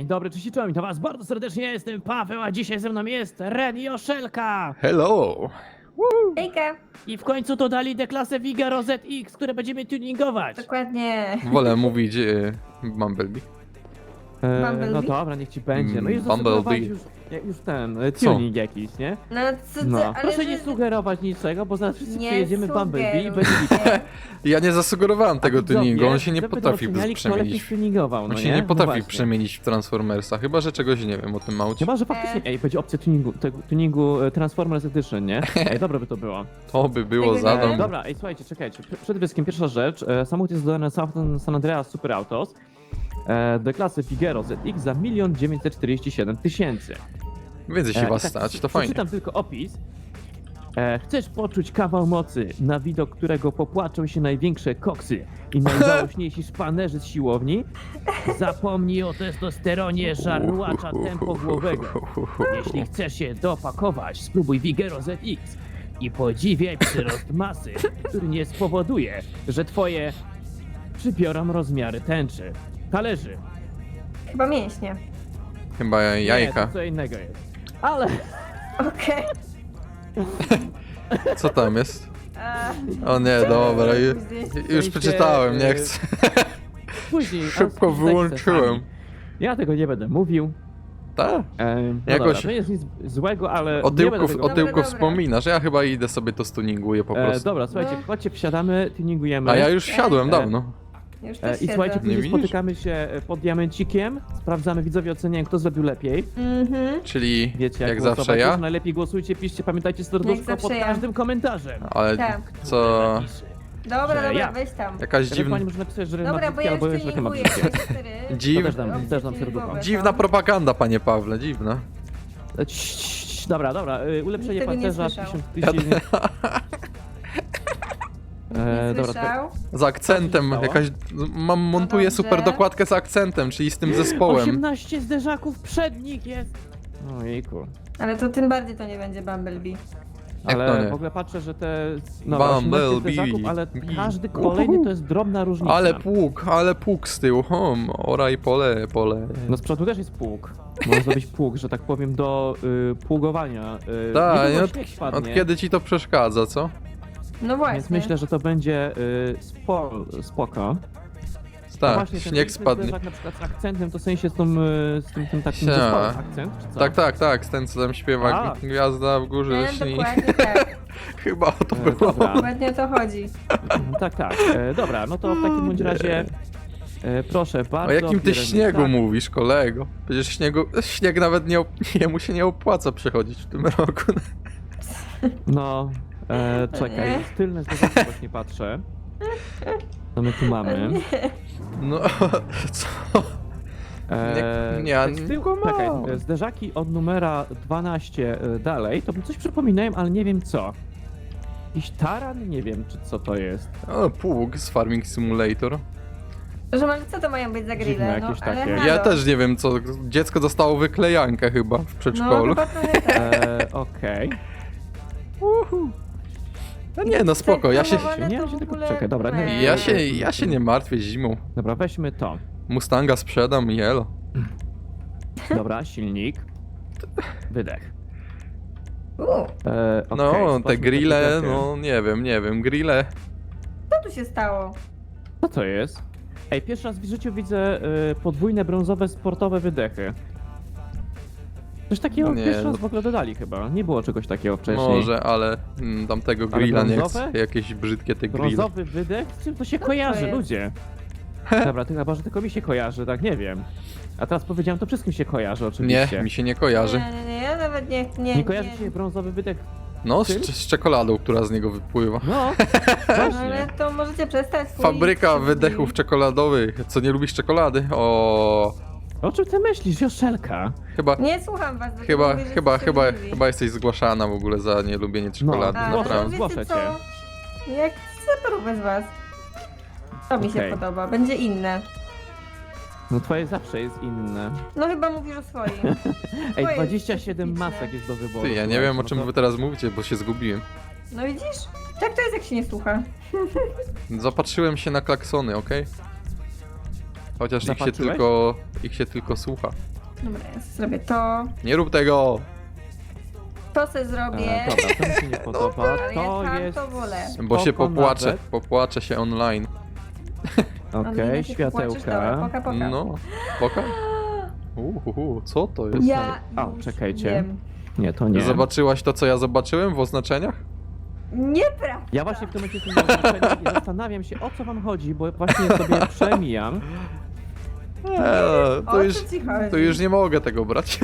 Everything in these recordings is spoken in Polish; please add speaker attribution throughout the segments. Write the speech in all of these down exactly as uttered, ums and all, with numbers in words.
Speaker 1: Dzień dobry, cześć i czołem, witam was bardzo serdecznie, ja jestem Paweł, a dzisiaj ze mną jest Ren i Oszelka.
Speaker 2: Hello!
Speaker 3: Hejka!
Speaker 1: I w końcu to dali deklasę Vigero Z X, które będziemy tuningować.
Speaker 3: Dokładnie.
Speaker 2: Wolę mówić e, Bumblebee.
Speaker 1: E,
Speaker 3: Bumblebee?
Speaker 1: no dobra, niech ci będzie. No
Speaker 2: Mm,
Speaker 1: już zasugerowałeś
Speaker 2: Bumblebee.
Speaker 1: już, jak już ten, e, tuning jakiś, nie?
Speaker 3: No co ty,
Speaker 1: No,
Speaker 3: ale
Speaker 1: proszę
Speaker 3: że-
Speaker 1: nie sugerować niczego, bo zaraz wszyscy
Speaker 3: Nie
Speaker 1: przyjedziemy Bumblebee i
Speaker 3: sugeruj.
Speaker 1: będzie...
Speaker 2: Ja nie zasugerowałem tego tuningu, on się nie potrafi
Speaker 1: oceniali, kto lepiej
Speaker 2: przemienić.
Speaker 1: tuningował, no
Speaker 2: On się
Speaker 1: nie?
Speaker 2: nie
Speaker 1: No
Speaker 2: potrafi
Speaker 1: właśnie.
Speaker 2: przemienić w Transformersa, chyba że czegoś nie wiem o tym aucie.
Speaker 1: Chyba, że faktycznie, ej, będzie opcja tuningu, tego, tuningu e, Transformers Edition, nie? Ej, dobre by to było.
Speaker 2: To by było
Speaker 3: Tego nie
Speaker 2: zadom.
Speaker 3: wiem.
Speaker 1: Dobra, ej, słuchajcie, czekajcie. Pr- Przede wszystkim pierwsza rzecz. E, samochód jest dodany na San San Andreas Super Autos e, do klasy Figaro Z X za milion dziewięćset czterdzieści siedem tysięcy.
Speaker 2: Więcej się
Speaker 1: E, i
Speaker 2: was
Speaker 1: tak,
Speaker 2: stać,
Speaker 1: prze-
Speaker 2: to fajnie.
Speaker 1: Przeczytam tylko opis. E, chcesz poczuć kawał mocy, na widok którego popłaczą się największe koksy i najzałośniejsi szpanerzy z siłowni? Zapomnij o testosteronie żarłacza tempogłowego. Jeśli chcesz się dopakować, spróbuj Vigero Z X i podziwiaj przyrost masy, który nie spowoduje, że twoje przybiorą rozmiary tęczy. Talerzy.
Speaker 3: Chyba mięśnie.
Speaker 2: Chyba
Speaker 1: Nie,
Speaker 2: jajka.
Speaker 1: to co innego jest. Ale
Speaker 3: Okej.
Speaker 2: Co tam jest?
Speaker 3: Okay.
Speaker 2: O nie, dobra, ju, już
Speaker 1: sensie,
Speaker 2: przeczytałem, nie
Speaker 1: y,
Speaker 2: chcę.
Speaker 1: później...
Speaker 2: Szybko
Speaker 1: ale sprawdź
Speaker 2: wyłączyłem.
Speaker 1: sami. Ja tego nie będę mówił.
Speaker 2: Tak?
Speaker 1: E, no
Speaker 2: Jakoś-
Speaker 1: dobra, to jest nic złego, ale
Speaker 2: O
Speaker 1: nie będę
Speaker 2: tyłku,
Speaker 1: tego
Speaker 2: o
Speaker 3: Dobra,
Speaker 2: tyłku
Speaker 3: dobra.
Speaker 2: wspominasz, ja chyba idę sobie to stuninguję po
Speaker 1: E,
Speaker 2: prostu.
Speaker 1: dobra, słuchajcie,
Speaker 3: No.
Speaker 1: chodźcie, wsiadamy, tuningujemy.
Speaker 2: A ja już wsiadłem
Speaker 1: E,
Speaker 2: dawno.
Speaker 3: Już
Speaker 1: E,
Speaker 3: też
Speaker 1: I
Speaker 3: siedzę.
Speaker 1: słuchajcie, później
Speaker 2: widzisz?
Speaker 1: spotykamy się e, pod diamencikiem, sprawdzamy, widzowie oceniają, kto zrobił lepiej.
Speaker 3: Mhm.
Speaker 2: Czyli
Speaker 1: Wiecie, jak,
Speaker 2: jak
Speaker 1: głosować.
Speaker 2: zawsze ja,
Speaker 1: Także najlepiej głosujcie, piszcie, pamiętajcie serduszko
Speaker 3: zawsze
Speaker 1: pod
Speaker 3: ja.
Speaker 1: każdym komentarzem.
Speaker 2: ale
Speaker 3: Tak.
Speaker 2: co...
Speaker 3: Dobra,
Speaker 1: Że
Speaker 3: dobra,
Speaker 1: ja.
Speaker 3: weź tam.
Speaker 2: Jakaś
Speaker 1: Ewentualnie
Speaker 2: dziwna,
Speaker 1: można napisać, że Ren
Speaker 3: Dobra,
Speaker 1: ma
Speaker 3: bo ja
Speaker 1: brzydkie, albo
Speaker 3: już
Speaker 1: że Oszelka ma
Speaker 3: tuninguję
Speaker 1: brzydkie.
Speaker 3: cztery.
Speaker 2: Dziw-
Speaker 1: To też dam,
Speaker 3: Opcje
Speaker 1: też dam serducho.
Speaker 3: tuningowe
Speaker 2: dziwna
Speaker 3: są.
Speaker 2: propaganda, panie Pawle, dziwna.
Speaker 1: E, cii, cii, cii, Dobra, dobra, e, ulepszenie
Speaker 3: Nikt tego nie
Speaker 1: pancerza,
Speaker 3: słyszał.
Speaker 1: pięćdziesiąt tysięcy. E,
Speaker 3: Nie
Speaker 1: dobra,
Speaker 3: słyszał?
Speaker 2: Z akcentem,
Speaker 1: stało?
Speaker 2: jakaś... Mam, montuję
Speaker 3: dobrze.
Speaker 2: super dokładkę z akcentem, czyli z tym zespołem.
Speaker 1: osiemnaście zderzaków przednich jest! Ojejku.
Speaker 3: Ale to tym bardziej to nie będzie Bumblebee.
Speaker 2: Jak to
Speaker 1: Ale
Speaker 2: nie?
Speaker 1: w ogóle patrzę, że te... No, osiemnaście
Speaker 2: Bumblebee.
Speaker 1: zderzaków, ale
Speaker 2: Bee.
Speaker 1: każdy kolejny to jest drobna różnica.
Speaker 2: Ale pług, ale pług z tyłu, hom, oraj pole, pole.
Speaker 1: No z przodu też jest pług. Można zrobić pług, że tak powiem, do y, pługowania. Y,
Speaker 2: Tak,
Speaker 1: niedługo
Speaker 2: od,
Speaker 1: śnieg spadnie,
Speaker 2: od kiedy ci to przeszkadza, co?
Speaker 3: No właśnie.
Speaker 1: Więc myślę, że to będzie y, spo, spoko. A
Speaker 2: Tak,
Speaker 1: właśnie, ten
Speaker 2: śnieg
Speaker 1: piękny
Speaker 2: spadnie.
Speaker 1: zderzak na przykład z akcentem, to w sensie z, tą, y, z tym, tym takim
Speaker 2: Sia.
Speaker 1: zespołem akcent, czy co?
Speaker 2: Tak, tak, tak, z ten co tam śpiewa,
Speaker 1: A.
Speaker 2: gwiazda w górze
Speaker 3: Nie,
Speaker 2: lśni.
Speaker 3: dokładnie tak.
Speaker 2: Chyba o to
Speaker 1: E,
Speaker 2: było.
Speaker 1: dobra.
Speaker 3: Dokładnie o to chodzi.
Speaker 1: Tak, tak. E, dobra, no to w takim bądź razie e, proszę bardzo.
Speaker 2: O jakim ty
Speaker 1: bierzemy-
Speaker 2: śniegu
Speaker 1: tak.
Speaker 2: mówisz, kolego? Przecież śniegu, śnieg nawet nie, op- jemu się nie opłaca przechodzić w tym roku.
Speaker 1: No, e, czekaj,
Speaker 3: Nie.
Speaker 1: z tylne zderzaki właśnie patrzę. Co my tu mamy?
Speaker 2: No, co?
Speaker 1: E,
Speaker 2: Nie- nie,
Speaker 1: tak z tyłu,
Speaker 2: tylko
Speaker 1: czekaj,
Speaker 2: mało.
Speaker 1: e, zderzaki od numera dwanaście e, dalej, to mi coś przypominają, ale nie wiem co. Jakiś taran? Nie wiem, czy co to jest.
Speaker 2: O, pług z Farming Simulator.
Speaker 3: Że ale co to mają być za
Speaker 1: Dziwne
Speaker 3: grille? No,
Speaker 1: jakieś
Speaker 3: ale
Speaker 1: takie.
Speaker 3: halo.
Speaker 2: Ja też nie wiem co, dziecko dostało wyklejankę chyba w
Speaker 3: No,
Speaker 2: przedszkolu.
Speaker 3: chyba trochę tak.
Speaker 1: E, Okej.
Speaker 2: No nie, no spoko, ja się,
Speaker 3: Ale
Speaker 1: Nie,
Speaker 3: to
Speaker 1: ja się
Speaker 3: w
Speaker 1: tylko
Speaker 3: ogóle-
Speaker 1: czekaj, dobra. Nie,
Speaker 2: ja się, ja się nie martwię zimą.
Speaker 1: Dobra, weźmy to.
Speaker 2: Mustanga sprzedam i elo.
Speaker 1: Dobra, silnik. Wydech.
Speaker 3: U,
Speaker 1: E,
Speaker 2: No,
Speaker 1: okej,
Speaker 2: te
Speaker 1: zobaczmy
Speaker 2: grille,
Speaker 1: takie dechy.
Speaker 2: no nie wiem, nie wiem, grille.
Speaker 3: co tu się stało?
Speaker 1: Co to jest? Ej, pierwszy raz w życiu widzę y, podwójne brązowe sportowe wydechy. Coś takiego
Speaker 2: Nie,
Speaker 1: pierwszy
Speaker 2: no-
Speaker 1: raz w ogóle dodali chyba. Nie było czegoś takiego wcześniej.
Speaker 2: Może, ale mm, tamtego
Speaker 1: Ale
Speaker 2: grilla nie
Speaker 1: brązowe?
Speaker 2: chcę. Jakieś brzydkie te grille.
Speaker 1: Brązowy wydech? Z czym to się
Speaker 3: to
Speaker 1: kojarzy,
Speaker 3: jest?
Speaker 1: ludzie? Dobra, ty chyba, że tylko mi się kojarzy, tak nie wiem. A teraz powiedziałem, to wszystkim się kojarzy
Speaker 2: Nie,
Speaker 1: oczywiście.
Speaker 2: mi się nie kojarzy.
Speaker 3: Nie, nie, nie, ja nawet nie... Nie,
Speaker 1: Nie kojarzy się brązowy wydech?
Speaker 2: No, z,
Speaker 1: Czym?
Speaker 2: z czekoladą, która z niego wypływa.
Speaker 1: No,
Speaker 3: Ale
Speaker 1: właśnie.
Speaker 3: to możecie przestać swój...
Speaker 2: Fabryka
Speaker 3: swój-
Speaker 2: wydechów czekoladowych. Co, nie lubisz czekolady? O,
Speaker 1: O czym ty myślisz, Joszelka?
Speaker 2: chyba,
Speaker 3: Nie słucham was. bo
Speaker 2: chyba,
Speaker 3: mówię, że
Speaker 2: chyba,
Speaker 3: jesteście
Speaker 2: chyba,
Speaker 3: obrzydliwi.
Speaker 2: chyba jesteś zgłaszana w ogóle za nielubienie czekolady,
Speaker 1: No,
Speaker 3: A,
Speaker 1: zgłoszę,
Speaker 2: naprawdę.
Speaker 3: to
Speaker 1: zgłoszę
Speaker 3: wiecie
Speaker 1: cię.
Speaker 3: co? Jak super bez was. To mi się
Speaker 1: Okej.
Speaker 3: podoba, będzie inne.
Speaker 1: No twoje zawsze jest inne.
Speaker 3: No chyba mówisz o swoim.
Speaker 1: Ej,
Speaker 3: jest
Speaker 1: dwadzieścia siedem
Speaker 3: specyficzne.
Speaker 1: masek jest do wyboru.
Speaker 2: Ty, ja nie
Speaker 1: słuchajcie,
Speaker 2: wiem o
Speaker 1: no
Speaker 2: czym
Speaker 1: to-
Speaker 2: wy teraz mówicie, bo się zgubiłem.
Speaker 3: No widzisz? Tak to jest jak się nie słucha.
Speaker 2: Zapatrzyłem się na klaksony, okej? Chociaż ich się
Speaker 1: Zapatrzyłeś?
Speaker 2: tylko, ich się tylko słucha.
Speaker 3: Dobra, ja zrobię to.
Speaker 2: Nie rób tego!
Speaker 3: To se zrobię.
Speaker 1: E, dobra, to mi się nie podoba.
Speaker 3: Ale
Speaker 1: To
Speaker 3: ja
Speaker 1: jest...
Speaker 3: to wolę.
Speaker 2: Bo się
Speaker 1: spoko
Speaker 2: popłaczę,
Speaker 1: nawet.
Speaker 2: popłaczę się online.
Speaker 3: Ale
Speaker 1: Okej,
Speaker 3: jak się popłaczesz, dobra,
Speaker 1: światełka.
Speaker 3: Poka, poka.
Speaker 2: No, poka? Uhuhu, co to jest?
Speaker 3: Ja
Speaker 1: O,
Speaker 3: już
Speaker 1: czekajcie.
Speaker 3: wiem.
Speaker 1: Nie, to nie.
Speaker 2: Zobaczyłaś to, co ja zobaczyłem w oznaczeniach?
Speaker 3: Nieprawda.
Speaker 1: Ja właśnie w tym momencie jestem na oznaczeniu i zastanawiam się, o co wam chodzi, bo właśnie sobie przemijam.
Speaker 2: Eee,
Speaker 3: O
Speaker 2: to,
Speaker 3: co
Speaker 2: już,
Speaker 3: ci chodzi?
Speaker 2: to już nie mogę tego brać.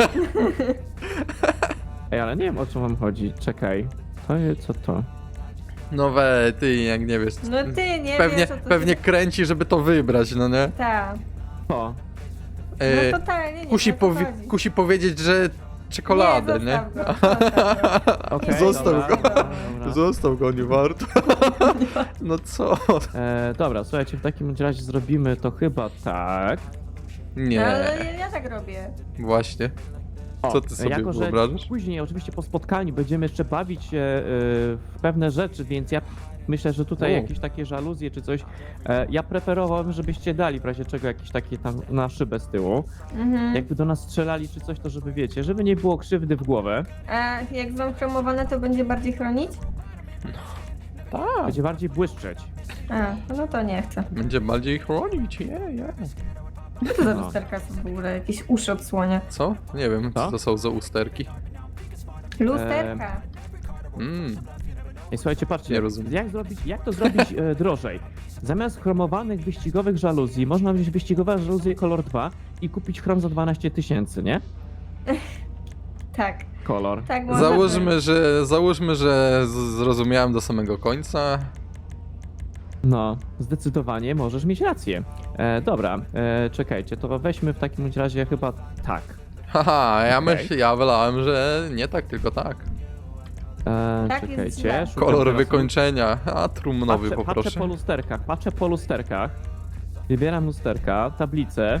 Speaker 1: Ej, ale nie wiem, o co wam chodzi. Czekaj. To jest, co to?
Speaker 2: No we, ty jak nie wiesz.
Speaker 3: No ty nie
Speaker 2: pewnie,
Speaker 3: wiesz, o co
Speaker 2: pewnie
Speaker 3: się...
Speaker 2: kręci, żeby to wybrać, no nie?
Speaker 3: Tak.
Speaker 1: To.
Speaker 2: E,
Speaker 3: No totalnie nie
Speaker 2: kusi,
Speaker 3: wiem, o co
Speaker 2: powi-
Speaker 3: chodzi.
Speaker 2: kusi powiedzieć, że czekoladę, nie?
Speaker 3: Nie, zostaw go, zostaw go.
Speaker 1: Okej,
Speaker 2: Został
Speaker 1: dobra,
Speaker 2: go.
Speaker 1: dobra, dobra.
Speaker 2: Został go, nie warto. No co?
Speaker 1: E, dobra, słuchajcie, w takim razie zrobimy to chyba tak.
Speaker 3: No,
Speaker 2: Nie,
Speaker 3: ale ja, ja tak robię.
Speaker 2: właśnie.
Speaker 1: O,
Speaker 2: Co ty sobie
Speaker 1: jako, że
Speaker 2: wyobrażasz?
Speaker 1: później, oczywiście po spotkaniu, będziemy jeszcze bawić się e, w pewne rzeczy, więc ja myślę, że tutaj
Speaker 2: U.
Speaker 1: jakieś takie żaluzje czy coś. E, ja preferowałbym, żebyście dali w razie czego jakieś takie tam na szybę z tyłu.
Speaker 3: Mhm.
Speaker 1: Jakby do nas strzelali czy coś, to żeby wiecie, żeby nie było krzywdy w głowę.
Speaker 3: A jak są chromowane, to będzie bardziej chronić?
Speaker 2: Tak.
Speaker 1: Będzie bardziej błyszczeć.
Speaker 3: A, no to nie chcę.
Speaker 2: Będzie bardziej chronić, je, je.
Speaker 3: Co to za
Speaker 1: No.
Speaker 3: lusterka są w ogóle? Jakieś uszy odsłonia.
Speaker 2: Co? Nie wiem, co
Speaker 1: Co?
Speaker 2: to są za usterki.
Speaker 3: Lusterka.
Speaker 2: Mm.
Speaker 1: I słuchajcie, patrzcie,
Speaker 2: Nie rozumiem.
Speaker 1: jak, zrobić, jak to zrobić e, drożej? Zamiast chromowanych wyścigowych żaluzji, można wziąć wyścigowe żaluzje kolor dwa i kupić chrom za dwanaście tysięcy, nie?
Speaker 3: Tak,
Speaker 1: Kolor.
Speaker 3: tak można by.
Speaker 2: Załóżmy, że, załóżmy, że z- zrozumiałem do samego końca.
Speaker 1: No, zdecydowanie możesz mieć rację. E, dobra, e, czekajcie, to weźmy w takim bądź razie chyba tak.
Speaker 2: Haha, ja
Speaker 1: Okej.
Speaker 2: myśl, ja wylałem, że nie tak, tylko tak.
Speaker 1: E,
Speaker 3: Tak jest
Speaker 1: czekajcie,
Speaker 3: źle.
Speaker 1: szukam
Speaker 2: Kolor
Speaker 1: teraz-
Speaker 2: wykończenia, a trumnowy
Speaker 1: patrzę,
Speaker 2: poproszę.
Speaker 1: patrzę po lusterkach, patrzę po lusterkach. Wybieram lusterka, tablicę.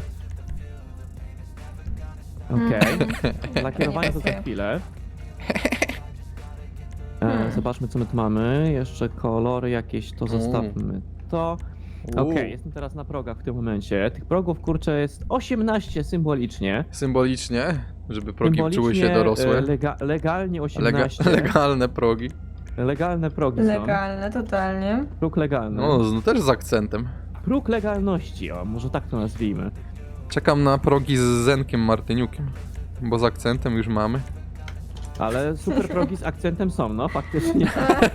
Speaker 1: Okej.
Speaker 3: Mhm.
Speaker 1: Lakierowanie to za
Speaker 3: pasuje.
Speaker 1: chwilę. E,
Speaker 3: Hmm.
Speaker 1: Zobaczmy, co my tu mamy. Jeszcze kolory jakieś, to zostawmy to. Okej,
Speaker 2: Uuu,
Speaker 1: jestem teraz na progach w tym momencie. Tych progów, kurczę, jest osiemnaście symbolicznie.
Speaker 2: Symbolicznie, żeby progi czuły
Speaker 1: Symbolicznie,
Speaker 2: się dorosłe.
Speaker 1: e, Lega, legalnie
Speaker 2: Lega,
Speaker 1: osiemnaście.
Speaker 2: legalne progi.
Speaker 1: Legalne progi są.
Speaker 3: Legalne, totalnie.
Speaker 1: Próg legalny.
Speaker 2: No, no też z akcentem.
Speaker 1: Próg legalności, o, może tak to nazwijmy.
Speaker 2: Czekam na progi z Zenkiem Martyniukiem, bo z akcentem już mamy.
Speaker 1: Ale super progi z akcentem są, no faktycznie.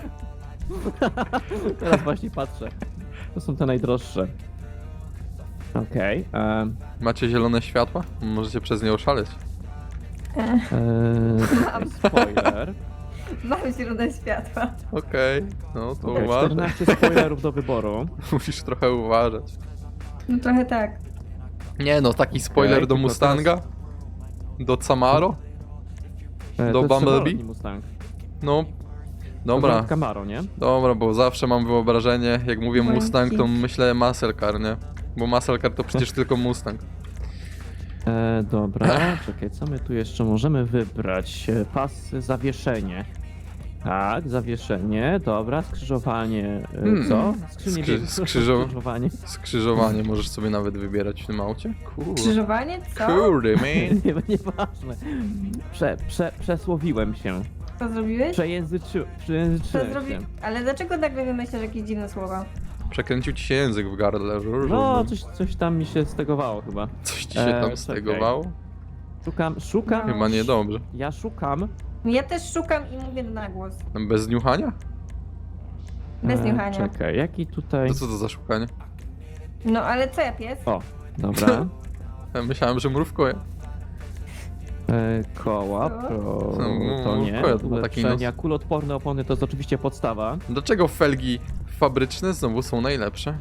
Speaker 1: Teraz właśnie patrzę. To są te najdroższe. Okej. em,
Speaker 2: Macie zielone światła? Możecie przez nie oszaleć.
Speaker 1: e, czekaj, spoiler.
Speaker 3: Mamy źródło światła.
Speaker 2: Okej, no to
Speaker 1: Okej,
Speaker 2: uważaj.
Speaker 1: czternaście spoilerów do wyboru.
Speaker 2: Musisz trochę uważać.
Speaker 3: No trochę tak.
Speaker 2: Nie no, taki spoiler
Speaker 1: Okej,
Speaker 2: do
Speaker 1: tylko
Speaker 2: Mustanga? Do Camaro?
Speaker 1: E,
Speaker 2: Do
Speaker 1: to jest
Speaker 2: Bumblebee?
Speaker 1: samolotni Mustang.
Speaker 2: No,
Speaker 1: To
Speaker 2: dobra.
Speaker 1: jest Camaro, nie?
Speaker 2: Dobra, bo zawsze mam wyobrażenie, jak mówię
Speaker 3: Błękit.
Speaker 2: Mustang, to myślę muscle car, nie? Bo muscle car to przecież tylko Mustang.
Speaker 1: E, dobra, czekaj, co my tu jeszcze możemy wybrać? E, Pas, zawieszenie. Tak, zawieszenie, dobra, skrzyżowanie, e,
Speaker 2: Hmm.
Speaker 1: co? Skrzynie
Speaker 2: Skrzy-
Speaker 1: biegu,
Speaker 2: skrzyżo-
Speaker 1: skrzyżowanie.
Speaker 2: Skrzyżowanie możesz sobie nawet wybierać w tym aucie. Kurde,
Speaker 3: Krzyżowanie? Co?
Speaker 2: kurde, man.
Speaker 1: Nie, nieważne. Prze, prze, przesłowiłem się.
Speaker 3: Co zrobiłeś?
Speaker 1: Przejęzyczy,
Speaker 3: Co
Speaker 1: przejęzyczyłem
Speaker 3: zrobi...
Speaker 1: się.
Speaker 3: Ale dlaczego nagle wymyślasz jakieś dziwne słowa?
Speaker 2: Przekręcił ci się język w gardle.
Speaker 1: No, coś, coś tam mi się stegowało chyba.
Speaker 2: Coś ci się
Speaker 1: Eee,
Speaker 2: tam
Speaker 1: czekaj.
Speaker 2: stegowało?
Speaker 1: Szukam, szukam.
Speaker 3: No.
Speaker 2: Chyba niedobrze.
Speaker 1: Ja szukam.
Speaker 3: Ja też szukam i mówię na głos.
Speaker 2: Bez niuchania?
Speaker 3: Bez
Speaker 1: e,
Speaker 3: niuchania.
Speaker 1: Czekaj, jaki tutaj.
Speaker 2: To co to za szukanie?
Speaker 3: No ale co ja pies?
Speaker 1: O, dobra.
Speaker 2: Ja myślałem, że mrówkuje.
Speaker 1: E, koła,
Speaker 3: Co?
Speaker 1: pro,
Speaker 2: No,
Speaker 1: to nie.
Speaker 2: koła to był taki
Speaker 1: Ulepszenia, kulotporne opony to jest oczywiście podstawa.
Speaker 2: Dlaczego felgi fabryczne znowu są najlepsze?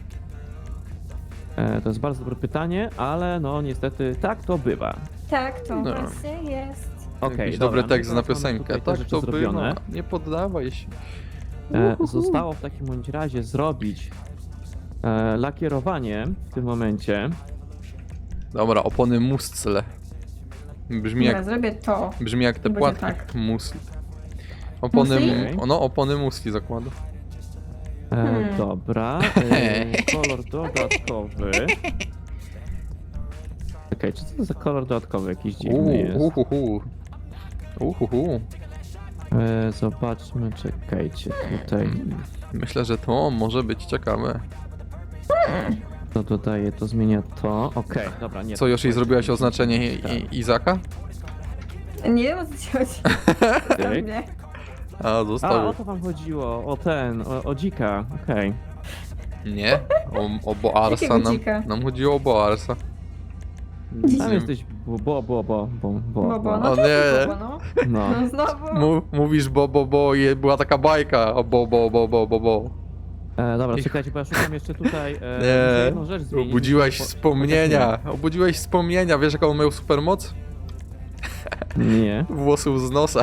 Speaker 1: E, to jest bardzo dobre pytanie, ale no niestety tak to bywa.
Speaker 3: Tak, to
Speaker 2: No.
Speaker 3: właśnie jest.
Speaker 1: Okej,
Speaker 2: Jakiś
Speaker 1: dobra,
Speaker 2: dobry tekst
Speaker 1: no
Speaker 2: na
Speaker 1: teraz mamy
Speaker 2: piosenkę.
Speaker 1: tutaj te
Speaker 2: Tak
Speaker 1: rzeczy
Speaker 2: to
Speaker 1: zrobione.
Speaker 2: bywa. Nie poddawaj się.
Speaker 1: E,
Speaker 2: Uhuhu.
Speaker 1: zostało w takim bądź razie zrobić e, lakierowanie w tym momencie.
Speaker 2: Dobra, opony muscle. Brzmi
Speaker 3: Dobra,
Speaker 2: jak,
Speaker 3: zrobię to.
Speaker 2: brzmi jak te
Speaker 3: Będzie
Speaker 2: płatki
Speaker 3: tak.
Speaker 2: musli. Opony,
Speaker 3: Musli?
Speaker 2: mu- no, opony musli zakładam.
Speaker 1: E,
Speaker 3: Hmm.
Speaker 1: Dobra, e, kolor dodatkowy. Czekaj, czy to za kolor dodatkowy jakiś dziwny
Speaker 2: Uuu,
Speaker 1: jest?
Speaker 2: uhuhu. Uhuhu.
Speaker 1: E, zobaczmy, czekajcie, tutaj
Speaker 2: Myślę, że to może być ciekawe.
Speaker 1: to dodaje, to zmienia to. Okej, dobra, nie.
Speaker 2: Co,
Speaker 1: to
Speaker 2: już jej
Speaker 1: jest-
Speaker 2: zrobiłaś oznaczenie i,
Speaker 1: Tak.
Speaker 2: i, Izaka?
Speaker 3: Nie wiem o co ci chodzi.
Speaker 1: Okej.
Speaker 3: Nie.
Speaker 2: A,
Speaker 1: A,
Speaker 2: zostawił.
Speaker 1: o to wam chodziło, o ten, o, o dzika, okej.
Speaker 2: Nie, o, o Boarsa
Speaker 3: Jakiego
Speaker 2: nam,
Speaker 3: dzika?
Speaker 2: nam chodziło o Boarsa.
Speaker 1: Tam jesteś bo, bo, bo, bo, bo, bo,
Speaker 3: Bobo,
Speaker 2: O
Speaker 3: no to
Speaker 2: nie.
Speaker 3: jest Bobo, no.
Speaker 1: No.
Speaker 3: No znowu.
Speaker 2: Mu, mówisz bo, bo, bo i była taka bajka o bo, bo, bo, bo, bo, bo.
Speaker 1: E, dobra,
Speaker 2: Ich-
Speaker 1: czekajcie, bo ja szukam jeszcze tutaj, e, muszę
Speaker 2: Nie,
Speaker 1: jedną rzecz zmienić.
Speaker 2: obudziłeś
Speaker 1: Po-
Speaker 2: wspomnienia, obudziłeś wspomnienia, wiesz jaką on miał supermoc?
Speaker 1: Nie,
Speaker 2: Włosów z nosa.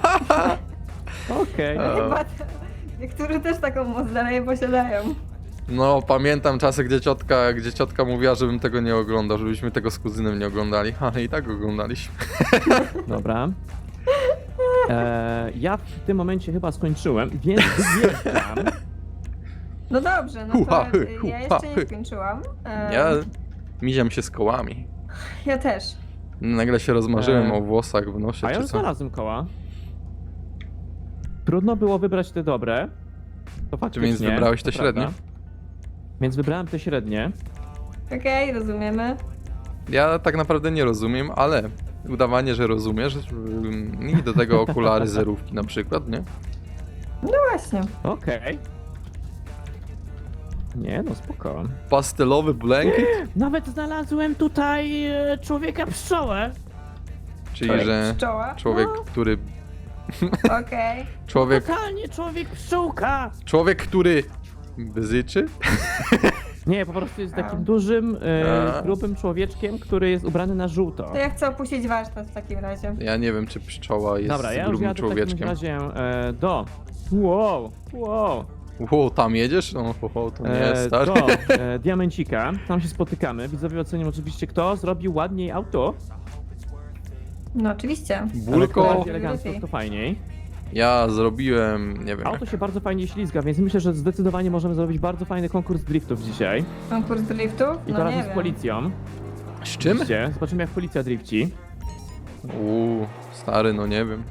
Speaker 1: okej.
Speaker 2: E.
Speaker 3: Chyba te- niektórzy też taką moc dalej posiadają.
Speaker 2: No, pamiętam czasy, gdzie ciotka, gdzie ciotka mówiła, żebym tego nie oglądał, żebyśmy tego z kuzynem nie oglądali, ale i tak oglądaliśmy.
Speaker 1: Dobra. E, ja w tym momencie chyba skończyłem, więc wyjeżdżam.
Speaker 3: No dobrze, no
Speaker 2: Hu-ha,
Speaker 3: to
Speaker 2: hy,
Speaker 3: y, ja
Speaker 2: hu-ha,
Speaker 3: jeszcze
Speaker 2: hy.
Speaker 3: nie skończyłam. Em,
Speaker 2: Ja miziam się z kołami.
Speaker 3: ja też.
Speaker 2: Nagle się rozmarzyłem
Speaker 1: E.
Speaker 2: o włosach w nosie,
Speaker 1: A ja
Speaker 2: czy
Speaker 1: już
Speaker 2: co?
Speaker 1: znalazłem koła. Trudno było wybrać te dobre. To faktycznie.
Speaker 2: więc wybrałeś te
Speaker 1: to
Speaker 2: średnie?
Speaker 1: prawda. Więc wybrałem te średnie.
Speaker 3: Okej, rozumiemy.
Speaker 2: Ja tak naprawdę nie rozumiem, ale udawanie, że rozumiesz ym, i do tego okulary zerówki na przykład, nie?
Speaker 3: No właśnie.
Speaker 1: Okej. Nie, no spoko.
Speaker 2: Pastelowy blanket,
Speaker 1: Nawet znalazłem tutaj e, człowieka pszczołę.
Speaker 2: czyli
Speaker 3: Człowiek
Speaker 2: że
Speaker 3: pszczoła.
Speaker 2: człowiek,
Speaker 1: No.
Speaker 2: który...
Speaker 3: Okej.
Speaker 2: Człowiek,
Speaker 1: Totalnie człowiek pszczółka.
Speaker 2: człowiek, który bzyczy?
Speaker 1: Nie, po prostu jest
Speaker 3: A.
Speaker 1: takim dużym, e,
Speaker 2: A.
Speaker 1: grubym człowieczkiem, który jest ubrany na żółto.
Speaker 3: To ja chcę opuścić warsztat w takim razie.
Speaker 2: Ja nie wiem, czy pszczoła jest
Speaker 1: Dobra, ja już
Speaker 2: grubym
Speaker 1: jadę w takim
Speaker 2: człowieczkiem.
Speaker 1: razie e, do... Wow, wow.
Speaker 2: Ło, tam jedziesz? No, ho, ho, to nie jest
Speaker 1: E,
Speaker 2: stary.
Speaker 1: do e, Diamencika. Tam się spotykamy. Widzowie ocenią oczywiście, kto zrobił ładniej auto.
Speaker 3: No oczywiście.
Speaker 1: Ale kto
Speaker 2: Bulko,
Speaker 1: bardziej elegancko, to fajniej.
Speaker 2: ja zrobiłem, nie wiem,
Speaker 1: Auto się bardzo fajnie ślizga, więc myślę, że zdecydowanie możemy zrobić bardzo fajny konkurs driftów dzisiaj.
Speaker 3: Konkurs driftów?
Speaker 1: I to
Speaker 3: No
Speaker 1: razem
Speaker 3: nie
Speaker 1: z
Speaker 3: wiem.
Speaker 1: policją.
Speaker 2: z czym?
Speaker 1: Oczywiście. Zobaczymy, jak policja drifci.
Speaker 2: Uuu, stary, no nie wiem.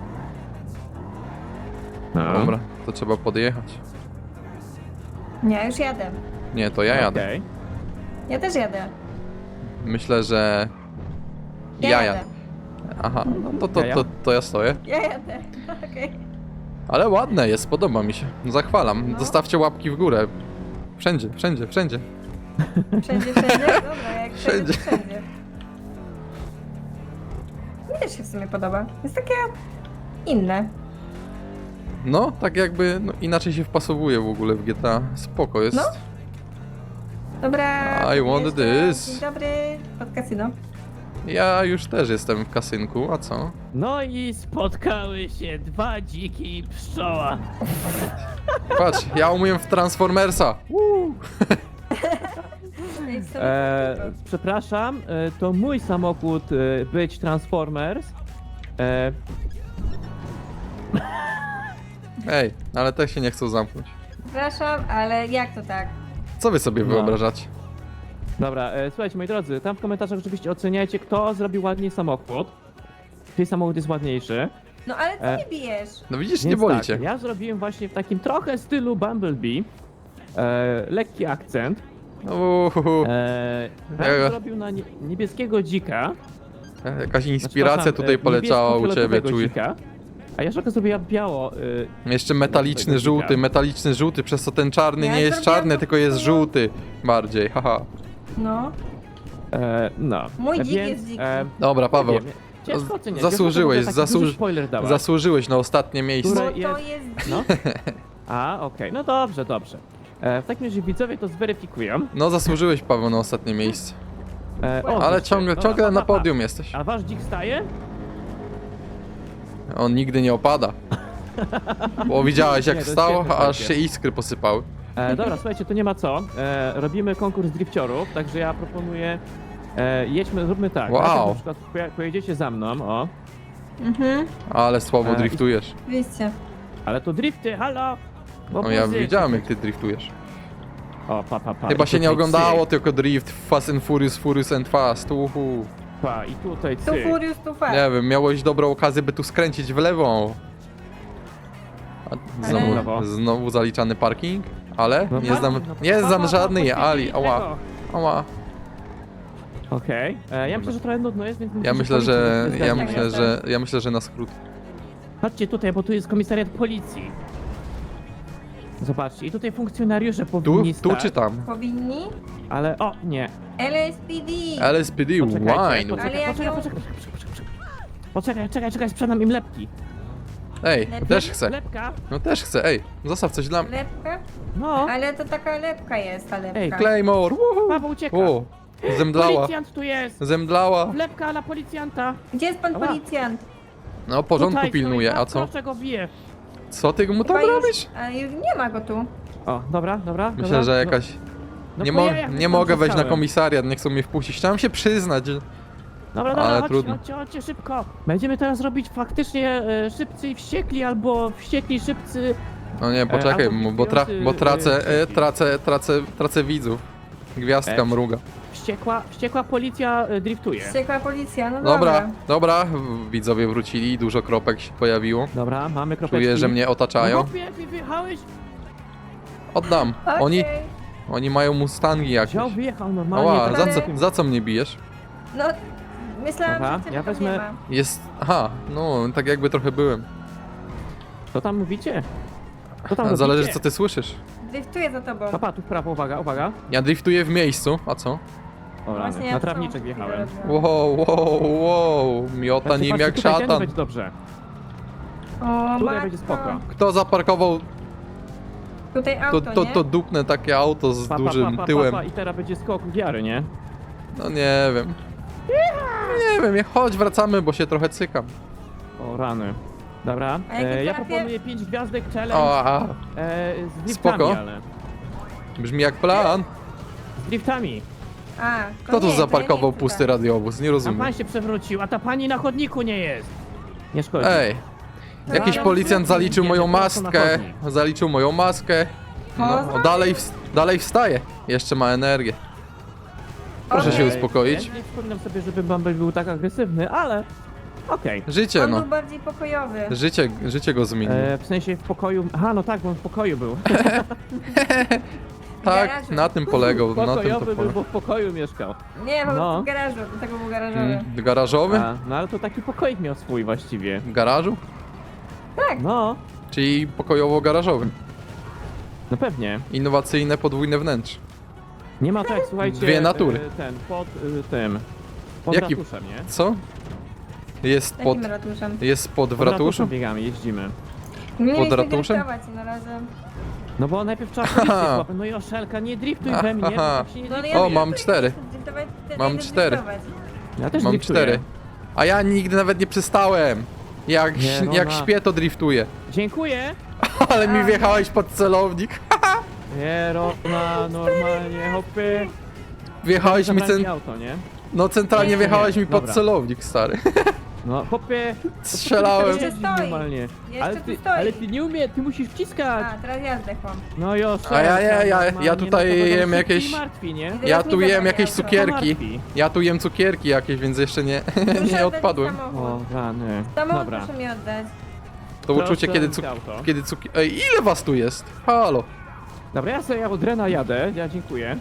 Speaker 1: No.
Speaker 2: Dobra, to trzeba podjechać.
Speaker 3: Nie, już jadę.
Speaker 2: Nie, to ja jadę.
Speaker 1: Okej.
Speaker 3: Ja też jadę.
Speaker 2: Myślę, że...
Speaker 3: Ja,
Speaker 2: Ja
Speaker 3: jadę.
Speaker 2: jadę. Aha, no to, to,
Speaker 1: Ja, ja.
Speaker 2: to, to ja stoję.
Speaker 3: Ja jadę. Okej.
Speaker 2: Ale ładne jest, podoba mi się. Zachwalam.
Speaker 3: No.
Speaker 2: Zostawcie łapki w górę. Wszędzie, wszędzie, wszędzie.
Speaker 3: Wszędzie, wszędzie? Dobra, jak wszędzie,
Speaker 2: Wszędzie.
Speaker 3: to wszędzie. Mi też się w sumie podoba. Jest takie inne.
Speaker 2: No, tak jakby no, inaczej się wpasowuje w ogóle w G T A. Spoko jest.
Speaker 3: No. Dobra.
Speaker 2: I want
Speaker 3: jeszcze
Speaker 2: this.
Speaker 3: Dzień dobry, pod kasyno.
Speaker 2: Ja już też jestem w kasynku, a co?
Speaker 1: No i spotkały się dwa dziki i pszczoła.
Speaker 2: Patrz, ja umiem w Transformersa.
Speaker 3: Ej, w sumie
Speaker 1: E,
Speaker 3: to-
Speaker 1: przepraszam, e, to mój samochód e, być Transformers. E,
Speaker 2: Ej, ale te się nie chcą zamknąć.
Speaker 3: Przepraszam, ale jak to tak?
Speaker 2: Co wy sobie
Speaker 1: No.
Speaker 2: wyobrażacie?
Speaker 1: dobra, e, słuchajcie moi drodzy, tam w komentarzach oczywiście oceniajcie, kto zrobił ładniej samochód. Czyj samochód jest ładniejszy.
Speaker 3: No ale ty
Speaker 1: E.
Speaker 3: nie bijesz.
Speaker 2: No widzisz, nie
Speaker 1: Więc
Speaker 2: boli
Speaker 1: tak,
Speaker 2: cię.
Speaker 1: ja zrobiłem właśnie w takim trochę stylu Bumblebee. E, lekki akcent.
Speaker 2: Uhuhu.
Speaker 1: E,
Speaker 2: Ja-
Speaker 1: ja zrobił na nie, niebieskiego dzika.
Speaker 2: Jakaś
Speaker 1: Znaczy,
Speaker 2: inspiracja
Speaker 1: przepraszam,
Speaker 2: tutaj
Speaker 1: e,
Speaker 2: poleciała u ciebie,
Speaker 1: niebiesko-fioletowego
Speaker 2: czuję.
Speaker 1: dzika. A Jaszaka zrobiła biało. Y,
Speaker 2: Jeszcze metaliczny
Speaker 1: tego
Speaker 2: żółty,
Speaker 1: dzika.
Speaker 2: metaliczny żółty, przez co ten czarny
Speaker 3: Ja
Speaker 2: nie jest
Speaker 3: zrobiłam
Speaker 2: czarny,
Speaker 3: po
Speaker 2: tylko jest
Speaker 3: prostu-
Speaker 2: żółty bardziej, haha.
Speaker 3: No.
Speaker 1: e, no.
Speaker 3: Mój
Speaker 1: E,
Speaker 3: dzik
Speaker 1: więc,
Speaker 3: jest dziki.
Speaker 1: E,
Speaker 2: Dobra, Paweł,
Speaker 1: nie wiem, ciężko oceniać.
Speaker 2: zasłużyłeś,
Speaker 1: Jaszaka w ogóle taki
Speaker 2: zasłuż-
Speaker 1: duży spoiler dała.
Speaker 2: zasłużyłeś na ostatnie miejsce.
Speaker 1: Które
Speaker 3: Bo to
Speaker 1: jest-
Speaker 3: jest
Speaker 1: No. A, okej, no dobrze, dobrze. E, w takim razie widzowie to zweryfikują.
Speaker 2: No zasłużyłeś, Paweł, na ostatnie miejsce.
Speaker 1: E, o,
Speaker 2: Ale
Speaker 1: zobaczcie.
Speaker 2: ciągle,
Speaker 1: Dobra,
Speaker 2: ciągle
Speaker 1: pa,
Speaker 2: na
Speaker 1: pa, pa.
Speaker 2: podium jesteś.
Speaker 1: A wasz dzik staje?
Speaker 2: On nigdy nie opada. Bo widziałeś
Speaker 1: Nie,
Speaker 2: jak
Speaker 1: to jest
Speaker 2: wstał,
Speaker 1: świetne,
Speaker 2: aż
Speaker 1: słuchajcie.
Speaker 2: się iskry posypały.
Speaker 1: E, dobra, słuchajcie, to nie ma co. E, robimy konkurs drifciorów, także ja proponuję. E, jedźmy, zróbmy tak.
Speaker 2: Wow.
Speaker 1: Najpierw Na przykład poja- pojedziecie za mną, o.
Speaker 3: Mhm,
Speaker 2: Ale słabo
Speaker 1: E,
Speaker 2: driftujesz.
Speaker 3: oczywiście.
Speaker 1: Ale to drifty, halo!
Speaker 2: No ja
Speaker 1: Opozycja.
Speaker 2: widziałem jak ty driftujesz.
Speaker 1: O, pa, pa, pa.
Speaker 2: Chyba
Speaker 1: I
Speaker 2: się nie
Speaker 1: tutaj
Speaker 2: oglądało,
Speaker 1: cyk.
Speaker 2: tylko Drift, Fast and Furious, Furious and Fast, uhu.
Speaker 1: Pa, i tutaj
Speaker 3: Tu
Speaker 1: cyk.
Speaker 3: furius, tu fast.
Speaker 2: Nie wiem, miałeś dobrą okazję, by tu skręcić w lewo. A znowu,
Speaker 1: Ale-
Speaker 2: znowu zaliczany parking, ale
Speaker 1: No
Speaker 2: nie
Speaker 1: tak,
Speaker 2: znam,
Speaker 1: no,
Speaker 2: nie
Speaker 1: pa, pa,
Speaker 2: znam
Speaker 1: pa,
Speaker 2: żadnej
Speaker 1: poświęcili
Speaker 2: Ali, ała,
Speaker 1: tego.
Speaker 2: ała.
Speaker 1: Okej, e, ja myślę, że trochę nudno jest, więc
Speaker 2: Ja myślę, że,
Speaker 1: policja
Speaker 2: ja
Speaker 1: jest
Speaker 2: myślę,
Speaker 3: tak.
Speaker 2: że, ja myślę, że na skrót.
Speaker 1: Chodźcie tutaj, bo tu jest komisariat policji. Zobaczcie, i tutaj funkcjonariusze
Speaker 2: Tu,
Speaker 1: powinni
Speaker 2: tu
Speaker 1: stać,
Speaker 2: czy tam?
Speaker 3: Powinni?
Speaker 1: ale o, nie.
Speaker 3: L S P D.
Speaker 2: L S P D,
Speaker 1: Poczekajcie,
Speaker 2: wine.
Speaker 3: Ale
Speaker 1: poczekaj,
Speaker 3: jak
Speaker 1: poczekaj,
Speaker 3: ją-
Speaker 1: poczekaj, poczekaj, poczekaj, poczekaj. Poczekaj, czekaj, czekaj, sprzedam im lepki.
Speaker 2: Ej,
Speaker 3: Lepiej?
Speaker 2: też chcę.
Speaker 1: Lepka?
Speaker 2: No też chcę, ej, zostaw coś dla mnie.
Speaker 3: Lepka?
Speaker 1: No,
Speaker 3: Ale to taka lepka jest, ta lepka.
Speaker 1: Ej,
Speaker 2: Claymore, wuhu.
Speaker 1: Paweł ucieka.
Speaker 2: O, zemdlała,
Speaker 1: Policjant tu jest!
Speaker 2: zemdlała.
Speaker 1: Lepka dla policjanta!
Speaker 3: Gdzie jest pan
Speaker 1: Ała.
Speaker 3: policjant?
Speaker 2: No, porządku
Speaker 1: Tutaj
Speaker 2: pilnuje,
Speaker 1: stoi,
Speaker 2: a co?
Speaker 1: Proszę go bije.
Speaker 2: Co ty mu tam
Speaker 3: Chyba już-
Speaker 2: robisz?
Speaker 3: A już nie ma go tu.
Speaker 1: O, dobra, dobra.
Speaker 2: Myślę,
Speaker 1: dobra.
Speaker 2: że jakaś...
Speaker 1: No,
Speaker 2: Nie,
Speaker 1: po
Speaker 2: mo
Speaker 1: jajach
Speaker 2: nie
Speaker 1: tam
Speaker 2: mogę wejść na
Speaker 1: zostałem.
Speaker 2: komisariat, nie chcą mnie wpuścić. Chciałem się przyznać. że-
Speaker 1: Dobra, dobra,
Speaker 2: ale
Speaker 1: chodźcie,
Speaker 2: trudno.
Speaker 1: chodźcie, chodźcie szybko. Będziemy teraz robić faktycznie e, szybcy i wściekli, albo wściekli szybcy.
Speaker 2: No nie, poczekaj,
Speaker 1: albo
Speaker 2: bo, tra
Speaker 1: wpisujący,
Speaker 2: bo tracę,
Speaker 1: y,
Speaker 2: e, tracę, tracę, tracę widzów. Gwiazdka
Speaker 1: E,
Speaker 2: mruga.
Speaker 1: Wściekła, wściekła policja e, driftuje.
Speaker 3: Wściekła policja, no
Speaker 2: Dobra,
Speaker 3: dobra.
Speaker 2: dobra, widzowie wrócili, dużo kropek się pojawiło.
Speaker 1: Dobra, mamy kropeczki.
Speaker 2: Czuję, że mnie
Speaker 1: No
Speaker 2: otaczają.
Speaker 1: chłopie, wy wyjechałeś?
Speaker 2: Oddam.
Speaker 3: Okej.
Speaker 2: Oni, oni mają mustangi jakieś.
Speaker 1: Wziął, wyjechał normalnie.
Speaker 2: Ała,
Speaker 1: tak
Speaker 2: za
Speaker 1: jak-
Speaker 2: co, za co mnie bijesz?
Speaker 3: No, myślałam,
Speaker 1: Dobra,
Speaker 3: że ciebie
Speaker 1: ja
Speaker 3: tam
Speaker 1: wezmę-
Speaker 3: nie ma.
Speaker 2: Jest, aha, no, tak jakby trochę byłem.
Speaker 1: Co tam mówicie? Co tam
Speaker 2: Zależy,
Speaker 1: mówicie?
Speaker 2: co ty słyszysz.
Speaker 3: Driftuję za tobą.
Speaker 1: Papa, tu w prawo, uwaga, uwaga.
Speaker 2: Ja driftuję w miejscu, a co?
Speaker 1: O, rany,
Speaker 3: Właśnie ja
Speaker 1: na
Speaker 3: w
Speaker 1: trawniczek
Speaker 3: tą
Speaker 1: wjechałem.
Speaker 3: chwilę robię.
Speaker 2: Wow, wow, wow, miota
Speaker 1: Patrzcie,
Speaker 2: nim
Speaker 1: patrzcie,
Speaker 2: jak
Speaker 1: tutaj tędy
Speaker 2: szatan.
Speaker 1: będzie dobrze.
Speaker 3: O,
Speaker 1: Tutaj
Speaker 3: matko.
Speaker 1: będzie spoko.
Speaker 2: Kto zaparkował,
Speaker 3: Tutaj
Speaker 2: to,
Speaker 3: auto,
Speaker 2: to,
Speaker 3: nie?
Speaker 2: to dupnę takie auto z
Speaker 1: Pa, pa,
Speaker 2: dużym
Speaker 1: pa, pa,
Speaker 2: tyłem.
Speaker 1: Pa, pa, I teraz będzie skok wiary, nie?
Speaker 2: No nie wiem. Nie wiem, nie, chodź, wracamy, bo się trochę cykam.
Speaker 1: O, rany. Dobra,
Speaker 3: A jakie
Speaker 1: e, ja
Speaker 3: trafie?
Speaker 1: proponuję pięć gwiazdek challenge
Speaker 2: O, a,
Speaker 1: e, z driftami,
Speaker 2: Spoko.
Speaker 1: ale...
Speaker 2: brzmi jak plan.
Speaker 1: Z driftami.
Speaker 3: A,
Speaker 2: Kto
Speaker 3: to
Speaker 2: tu
Speaker 3: nie, to ja
Speaker 2: zaparkował
Speaker 3: nie
Speaker 2: pusty
Speaker 3: chcę.
Speaker 2: radiowóz? Nie
Speaker 1: A
Speaker 2: rozumiem.
Speaker 1: pan się przewrócił, a ta pani na chodniku nie jest. Nie szkodzi.
Speaker 2: Ej, jakiś
Speaker 3: No,
Speaker 2: policjant
Speaker 1: no,
Speaker 2: zaliczył
Speaker 1: nie,
Speaker 2: moją
Speaker 1: nie, prosto na
Speaker 2: maskę.
Speaker 1: chodnik.
Speaker 2: Zaliczył moją maskę. No,
Speaker 3: Poza-
Speaker 2: dalej, ws- dalej wstaje. Jeszcze ma energię. Proszę się
Speaker 3: Okej.
Speaker 2: uspokoić.
Speaker 1: Ja nie wspominam sobie, żeby Bumble był tak agresywny, ale... Okej.
Speaker 2: Życie,
Speaker 3: On
Speaker 2: no.
Speaker 3: był bardziej pokojowy.
Speaker 2: Życie, życie go zmieniło.
Speaker 1: E, W sensie w pokoju... Aha, no tak, bo on w pokoju był.
Speaker 2: Tak,
Speaker 3: garażu.
Speaker 2: na tym polegał. Na tym to
Speaker 1: Pokojowy był,
Speaker 2: polegał.
Speaker 1: bo w pokoju mieszkał.
Speaker 3: Nie, po prostu
Speaker 1: No.
Speaker 3: w garażu, do tego był garażowy.
Speaker 2: Mm, Garażowy?
Speaker 1: A, no ale to taki pokoik miał swój właściwie.
Speaker 2: W garażu?
Speaker 1: No,
Speaker 2: Czyli pokojowo-garażowy.
Speaker 1: no pewnie.
Speaker 2: Innowacyjne podwójne wnętrze.
Speaker 1: Nie ma tak, słuchajcie...
Speaker 2: Dwie natury.
Speaker 1: e, Ten, pod y, tym... Pod
Speaker 2: Jaki-
Speaker 1: ratuszem, nie?
Speaker 2: Co? Jest pod,
Speaker 3: Takim ratuszem.
Speaker 2: jest pod w
Speaker 1: Pod
Speaker 2: ratuszu?
Speaker 1: ratuszem biegamy, jeździmy.
Speaker 3: Nie
Speaker 2: Pod
Speaker 3: mieliśmy
Speaker 2: ratuszem?
Speaker 3: driftować na razie.
Speaker 1: No bo najpierw trzeba policję złapać. No i oszelka, nie driftuj we mnie, bo
Speaker 2: Aha.
Speaker 1: tak się nie
Speaker 3: No, ale
Speaker 1: driftuje.
Speaker 2: O, mam
Speaker 3: driftuję,
Speaker 2: cztery.
Speaker 3: driftować, wtedy
Speaker 2: Mam
Speaker 3: idę
Speaker 2: cztery.
Speaker 3: driftować.
Speaker 1: Ja też
Speaker 2: Mam
Speaker 1: driftuję.
Speaker 2: cztery. A ja nigdy nawet nie przystałem. Jak,
Speaker 1: Nie, no
Speaker 2: jak
Speaker 1: na-
Speaker 2: śpię, to driftuję.
Speaker 1: Dziękuję.
Speaker 2: Ale mi
Speaker 3: A,
Speaker 2: wjechałeś pod celownik.
Speaker 1: Nie, Rona, normalnie, hopy.
Speaker 2: Wjechałeś mi
Speaker 1: Zabrali
Speaker 2: cen...
Speaker 1: auto, nie?
Speaker 2: No centralnie
Speaker 3: Nie.
Speaker 2: wjechałeś mi pod
Speaker 1: Dobra.
Speaker 2: celownik, stary.
Speaker 1: No, hopy.
Speaker 2: Strzelałem.
Speaker 3: Jeszcze stoi.
Speaker 1: Normalnie.
Speaker 3: Jeszcze
Speaker 1: Ale
Speaker 3: tu
Speaker 1: ty,
Speaker 3: stoi.
Speaker 1: ale ty nie umie, ty musisz wciskać.
Speaker 3: A, teraz ja zdechłam.
Speaker 1: No i oszelka.
Speaker 2: A ja- ja- ja- ja
Speaker 1: normalnie,
Speaker 2: tutaj
Speaker 1: no to
Speaker 2: jem
Speaker 1: będą
Speaker 2: jakieś-
Speaker 1: szybki i martwi, nie?
Speaker 3: Teraz
Speaker 2: Ja
Speaker 3: mi
Speaker 2: tu
Speaker 3: zabrali
Speaker 2: jem jakieś
Speaker 3: auto.
Speaker 2: cukierki.
Speaker 1: Martwi.
Speaker 2: Ja tu jem cukierki jakieś, więc jeszcze nie,
Speaker 3: Proszę
Speaker 2: nie
Speaker 3: oddać
Speaker 2: odpadłem.
Speaker 1: O,
Speaker 3: Samochód,
Speaker 1: rany.
Speaker 3: samochód
Speaker 1: Dobra.
Speaker 3: proszę mi oddać.
Speaker 2: To uczucie,
Speaker 1: Proszę
Speaker 2: kiedy,
Speaker 1: oddać
Speaker 2: cuk
Speaker 1: auto.
Speaker 2: kiedy cukier... Ej, ile was tu jest? Halo.
Speaker 1: Dobra, ja sobie od Rena jadę, ja dziękuję.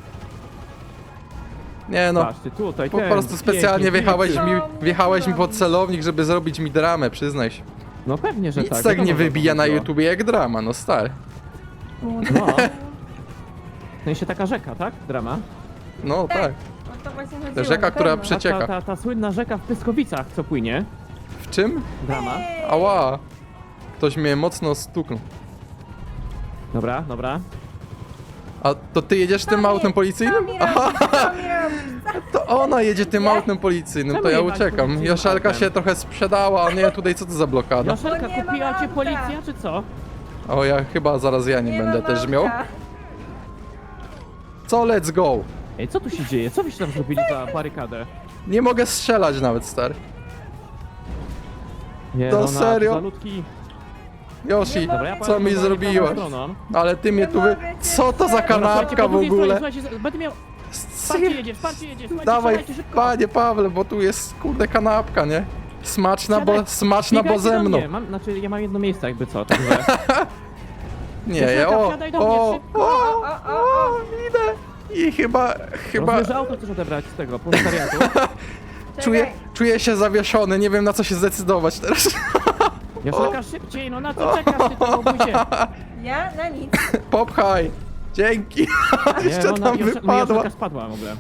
Speaker 2: Nie no,
Speaker 1: Patrzcie, tutaj
Speaker 2: po
Speaker 1: ten,
Speaker 2: prostu specjalnie
Speaker 1: pięknie,
Speaker 2: wjechałeś
Speaker 1: pięknie.
Speaker 2: mi,
Speaker 3: Co
Speaker 2: wjechałeś mi pod
Speaker 3: robisz?
Speaker 2: celownik, żeby zrobić mi dramę, przyznaj się.
Speaker 1: No pewnie, że
Speaker 2: Nic
Speaker 1: tak.
Speaker 2: tak
Speaker 1: wiadomo,
Speaker 2: nie
Speaker 1: że to
Speaker 2: wybija na
Speaker 1: chodziło.
Speaker 2: YouTubie jak drama, no stary.
Speaker 1: No. W sensie taka rzeka, tak? Drama.
Speaker 2: No tak.
Speaker 3: O to właśnie chodziło,
Speaker 2: rzeka,
Speaker 3: na
Speaker 2: która
Speaker 3: pewno.
Speaker 2: przy- Przecieka.
Speaker 1: Ta, ta, ta słynna rzeka w Pyskowicach, co płynie.
Speaker 2: W czym?
Speaker 1: Drama.
Speaker 3: Ej!
Speaker 2: Ała. Ktoś mnie mocno stuknął.
Speaker 1: Dobra, dobra.
Speaker 2: A to ty jedziesz tym
Speaker 3: Co
Speaker 2: autem
Speaker 3: mi-
Speaker 2: policyjnym?
Speaker 3: Co mi
Speaker 2: Aha,
Speaker 3: robisz? Co mi robisz?
Speaker 2: to ona jedzie tym autem policyjnym,
Speaker 1: Czemu
Speaker 2: to ja
Speaker 1: jechać
Speaker 2: uciekam.
Speaker 1: policyjnym
Speaker 2: Joszelka
Speaker 1: autem?
Speaker 2: się trochę sprzedała, a nie tutaj co to za blokada?
Speaker 1: Joszelka,
Speaker 3: Bo nie ma
Speaker 1: kupiła cię
Speaker 3: auta.
Speaker 1: policja, czy co?
Speaker 2: O, ja chyba zaraz ja nie,
Speaker 3: Nie
Speaker 2: będę
Speaker 3: mam
Speaker 2: też miał.
Speaker 3: auta.
Speaker 2: Co, let's go?
Speaker 1: Ej, co tu się dzieje? Co wyście tam zrobili za barykadę?
Speaker 2: Nie mogę strzelać nawet, stary.
Speaker 1: Nie,
Speaker 2: To
Speaker 1: no,
Speaker 2: serio?
Speaker 1: Zalutki.
Speaker 2: Yoshi,
Speaker 3: Nie
Speaker 1: Dobra, ja
Speaker 2: co
Speaker 1: powiem,
Speaker 2: mi
Speaker 1: że wolę prawą
Speaker 2: zrobiłaś?
Speaker 1: stroną.
Speaker 2: Ale ty mnie
Speaker 3: Nie
Speaker 2: tu wy...
Speaker 3: mogę cię
Speaker 2: Co to za
Speaker 3: wstać.
Speaker 1: Dobra, słuchajcie,
Speaker 2: kanapka
Speaker 1: po
Speaker 2: w
Speaker 1: drugiej stronie,
Speaker 2: ogóle?
Speaker 1: słuchajcie, będę miał...
Speaker 2: Sy-
Speaker 1: Wsparcie jedzie, wsparcie jedzie, słuchajcie,
Speaker 2: Dawaj,
Speaker 1: wsiadajcie szybko.
Speaker 2: panie Pawle, bo tu jest kurde kanapka, nie? Smaczna, bo,
Speaker 1: Wsiadaj.
Speaker 2: smaczna, bo
Speaker 1: Biegajcie
Speaker 2: ze
Speaker 1: do
Speaker 2: mną.
Speaker 1: mnie. Mam, znaczy, ja mam jedno miejsce jakby co, także...
Speaker 2: Nie, ja,
Speaker 1: Joszelka,
Speaker 2: o,
Speaker 1: wsiadaj do mnie,
Speaker 2: o,
Speaker 1: szybko.
Speaker 2: o,
Speaker 3: O, o, o,
Speaker 2: o, idę. I chyba, chyba
Speaker 1: Rozumiem, że auto chcesz odebrać z tego, proletariatu.
Speaker 2: czuję, czuję się zawieszony, nie wiem na co się zdecydować teraz.
Speaker 1: Joszelka, szybciej, no na co czekasz, ty to obudzie?
Speaker 3: Ja na nic.
Speaker 2: Popchaj. Dzięki. Jeszcze
Speaker 1: no,
Speaker 2: tam
Speaker 1: Joszel- no,
Speaker 2: wypadła.
Speaker 1: Joszelka spadła w ogóle.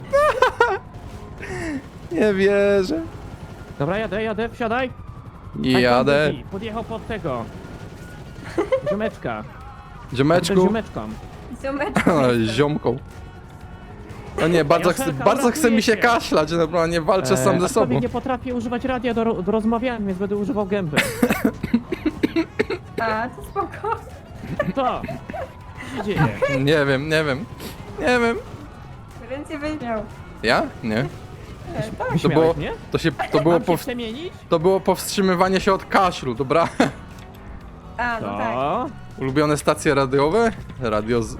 Speaker 2: Nie wierzę.
Speaker 1: Dobra, jadę, jadę, wsiadaj.
Speaker 2: Jadę.
Speaker 1: Aj, podjechał pod tego. Ziomeczka.
Speaker 2: Ziomeczku.
Speaker 1: Ziomeczką.
Speaker 3: Ziomeczku.
Speaker 2: Ziomką. O nie, bardzo, chce,
Speaker 1: Joszelka,
Speaker 2: bardzo chce mi się
Speaker 1: uratuje cię.
Speaker 2: kaszlać, normalnie walczę sam ze
Speaker 1: a
Speaker 2: sobą.
Speaker 1: człowiek nie potrafię używać radia do, ro- do rozmawiania, więc będę używał gęby.
Speaker 3: A, to spoko.
Speaker 1: To. Co się dzieje?
Speaker 2: Nie wiem, nie wiem. Nie wiem.
Speaker 3: Ręce weźmiał.
Speaker 2: Ja? Nie.
Speaker 3: E, tak.
Speaker 2: To
Speaker 1: Wyśmiałeś
Speaker 2: było,
Speaker 1: mnie?
Speaker 2: to się, to było,
Speaker 1: Mam się
Speaker 2: pow,
Speaker 1: przemienić?
Speaker 2: to było powstrzymywanie się od kaszlu, dobra?
Speaker 3: A, no tak.
Speaker 1: To.
Speaker 2: Ulubione stacje radiowe? Radio z...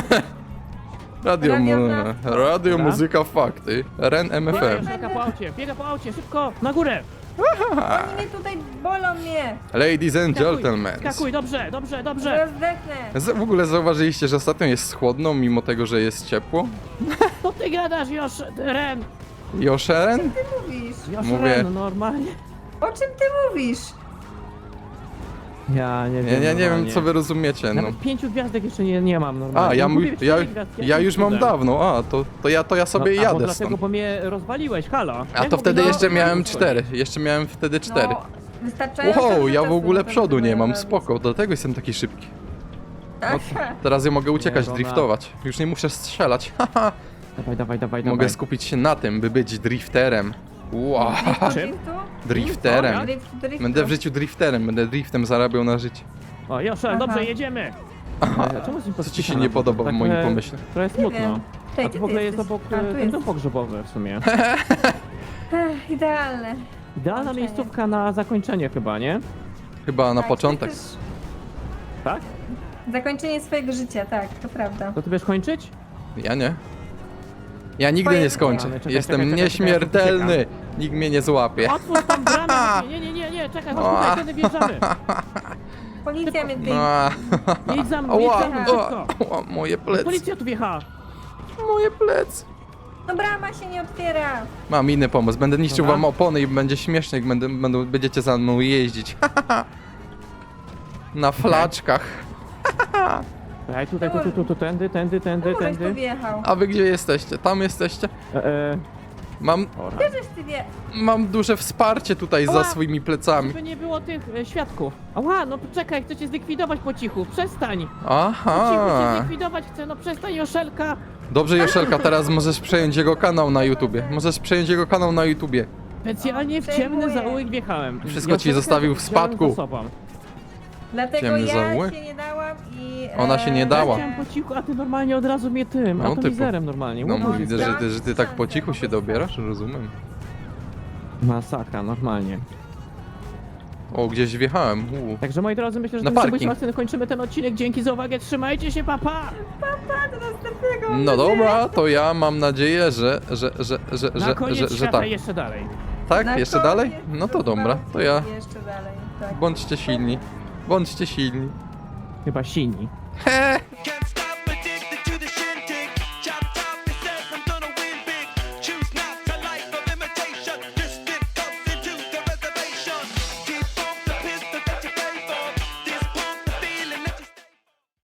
Speaker 2: Radio,
Speaker 3: Radio
Speaker 2: mu...
Speaker 3: na-
Speaker 2: Radio
Speaker 1: Dobra.
Speaker 2: muzyka fakty. R N M
Speaker 1: Biega
Speaker 2: F M.
Speaker 1: Joszelka po aucie, biega po aucie, szybko, na górę.
Speaker 3: Oni mnie tutaj bolą mnie.
Speaker 2: Ladies and
Speaker 1: Skakuj,
Speaker 2: gentlemen.
Speaker 1: Skakuj, dobrze, dobrze, dobrze.
Speaker 3: Rozdechnę.
Speaker 2: Z- W ogóle zauważyliście, że ostatnio jest chłodno, mimo tego, że jest ciepło?
Speaker 1: Co ty gadasz, Josz, Ren?
Speaker 2: Joszeren?
Speaker 3: Ty mówisz.
Speaker 1: Josz,
Speaker 2: Mówię.
Speaker 1: Ren, no normalnie.
Speaker 3: O czym ty mówisz?
Speaker 1: Ja nie
Speaker 2: Ja,
Speaker 1: wiem,
Speaker 2: ja nie wiem,
Speaker 1: normalnie.
Speaker 2: co wy rozumiecie, no.
Speaker 1: Nawet pięciu gwiazdek jeszcze nie, nie mam normalnie.
Speaker 2: A, ja,
Speaker 1: No,
Speaker 2: mu,
Speaker 1: mówię,
Speaker 2: ja,
Speaker 1: cztery gwiazdki,
Speaker 2: ja
Speaker 1: jakim
Speaker 2: już mam
Speaker 1: cudem?
Speaker 2: dawno, a, to, to, ja, to ja sobie
Speaker 1: no, a, bo
Speaker 2: jadę
Speaker 1: dlatego,
Speaker 2: stąd.
Speaker 1: bo mnie rozwaliłeś, halo.
Speaker 2: A
Speaker 1: Jak
Speaker 2: to wtedy
Speaker 1: mogę-
Speaker 2: jeszcze
Speaker 3: no,
Speaker 2: miałem
Speaker 3: no,
Speaker 2: cztery, jeszcze miałem wtedy cztery.
Speaker 3: No, wystarczająco
Speaker 2: Wow,
Speaker 3: dużo
Speaker 2: ja w
Speaker 3: czasu
Speaker 2: ogóle
Speaker 3: na to,
Speaker 2: przodu
Speaker 3: żeby
Speaker 2: nie mam,
Speaker 3: robić.
Speaker 2: spoko, dlatego jestem taki szybki.
Speaker 3: Aha.
Speaker 2: Teraz ja mogę uciekać,
Speaker 1: Nie, bo
Speaker 2: driftować. Już nie muszę strzelać, haha.
Speaker 1: Dawaj, dawaj, dawaj,
Speaker 2: Mogę
Speaker 1: dawaj.
Speaker 2: skupić się na tym, by być drifterem. Wow,
Speaker 3: Driftu,
Speaker 1: Czym?
Speaker 3: driftu?
Speaker 2: drifterem.
Speaker 3: Drift, driftu.
Speaker 2: Będę w życiu drifterem, będę driftem zarabiał na życie.
Speaker 1: O, Joszel,
Speaker 3: Aha.
Speaker 1: dobrze, jedziemy. E, Czemu z nim
Speaker 2: Co ci się
Speaker 1: podpisane?
Speaker 2: nie podoba w
Speaker 1: Tak,
Speaker 2: moim
Speaker 1: e,
Speaker 2: pomyśle?
Speaker 1: Trochę
Speaker 3: Nie
Speaker 1: smutno.
Speaker 3: wiem. Czekaj,
Speaker 1: A
Speaker 3: gdzie
Speaker 1: to w ogóle
Speaker 3: ty
Speaker 1: jest
Speaker 3: jesteś?
Speaker 1: obok
Speaker 3: A,
Speaker 1: e,
Speaker 3: tu
Speaker 1: ten
Speaker 3: jest.
Speaker 1: dom pogrzebowy w sumie.
Speaker 3: Ech, idealne.
Speaker 1: Idealna
Speaker 3: Zakończenie.
Speaker 1: miejscówka na zakończenie chyba, nie?
Speaker 2: Chyba na
Speaker 3: Tak,
Speaker 2: początek.
Speaker 3: to też
Speaker 1: Tak?
Speaker 3: Zakończenie swojego życia, tak, to prawda.
Speaker 1: To ty wiesz kończyć?
Speaker 2: Ja nie. Ja nigdy
Speaker 3: Twoje
Speaker 2: nie skończę.
Speaker 1: Czekaj, czekaj,
Speaker 2: Jestem
Speaker 1: czekaj, czekaj,
Speaker 2: nieśmiertelny. Nikt mnie nie złapie.
Speaker 1: Otwórz tam bramę! Nie, nie, nie, nie, czekaj, chodź
Speaker 2: O.
Speaker 1: tutaj, wtedy wjeżdżamy.
Speaker 3: Policja mnie tutaj...
Speaker 2: A,
Speaker 1: Jedź za mną, jedź
Speaker 2: Ała,
Speaker 1: za mną,
Speaker 2: ała,
Speaker 1: szybko.
Speaker 2: ała, moje plecy.
Speaker 1: Policja tu wjechała.
Speaker 2: Moje plecy.
Speaker 3: No brama się nie otwiera.
Speaker 2: Mam inny pomysł. Będę niszczył
Speaker 1: Dobra.
Speaker 2: wam opony i będzie śmiesznie, jak będę, będą, będziecie za mną jeździć. Na flaczkach.
Speaker 1: Czekaj, tutaj, tu, tu, tu, tu, tędy, tędy, tędy,
Speaker 3: Czemu żeś tu
Speaker 1: tędy.
Speaker 3: wjechał?
Speaker 2: A wy gdzie jesteście? Tam jesteście?
Speaker 1: E, e,
Speaker 2: Mam,
Speaker 1: ora.
Speaker 3: Gdzie żeś ty wje...
Speaker 2: mam duże wsparcie tutaj za
Speaker 1: Ała.
Speaker 2: swoimi plecami.
Speaker 1: Żeby nie było tych e, świadków. Ała, no czekaj, chcę cię zlikwidować po cichu, przestań. Po cichu cię
Speaker 2: Aha.
Speaker 1: zlikwidować chcę, no przestań, Joszelka.
Speaker 2: Dobrze, Joszelka, teraz możesz przejąć jego kanał na YouTubie. Możesz przejąć jego kanał na YouTubie.
Speaker 1: Specjalnie w
Speaker 3: Przejmuję.
Speaker 1: ciemny zaułek wjechałem.
Speaker 2: Wszystko ci
Speaker 1: Joszelkę
Speaker 2: zostawił w
Speaker 1: wziąłem
Speaker 2: spadku.
Speaker 1: za sobą.
Speaker 3: Dlatego
Speaker 2: Ciemny
Speaker 3: ja
Speaker 2: zaułek?
Speaker 3: się nie dałam i...
Speaker 2: Ona się nie
Speaker 3: e,
Speaker 2: dała.
Speaker 1: Chciałem po cichu, a ty normalnie od razu mnie tym,
Speaker 2: No,
Speaker 1: atomizerem normalnie.
Speaker 2: No
Speaker 1: łobuzie.
Speaker 2: widzę, że ty, że ty tak po cichu się dobierasz, rozumiem.
Speaker 1: Masakra, normalnie.
Speaker 2: O, gdzieś wjechałem. U.
Speaker 1: Także moi drodzy, myślę, że
Speaker 2: Na
Speaker 1: tym
Speaker 2: parking.
Speaker 1: submisją akcyjnym kończymy ten odcinek. Dzięki za uwagę, trzymajcie się, papa!
Speaker 3: Pa, do następnego. mam
Speaker 2: No
Speaker 3: nadzieję.
Speaker 2: dobra, to ja mam nadzieję, że, że, że, że,
Speaker 1: Na
Speaker 2: że,
Speaker 1: koniec
Speaker 2: że, że
Speaker 1: świata
Speaker 2: tak.
Speaker 1: jeszcze dalej.
Speaker 2: Tak?
Speaker 3: Na
Speaker 2: Jeszcze dalej?
Speaker 3: koniec
Speaker 2: No to dobra, to ja.
Speaker 3: Jeszcze dalej, tak.
Speaker 2: Bądźcie silni. Bądźcie silni.
Speaker 1: Chyba silni.
Speaker 2: He!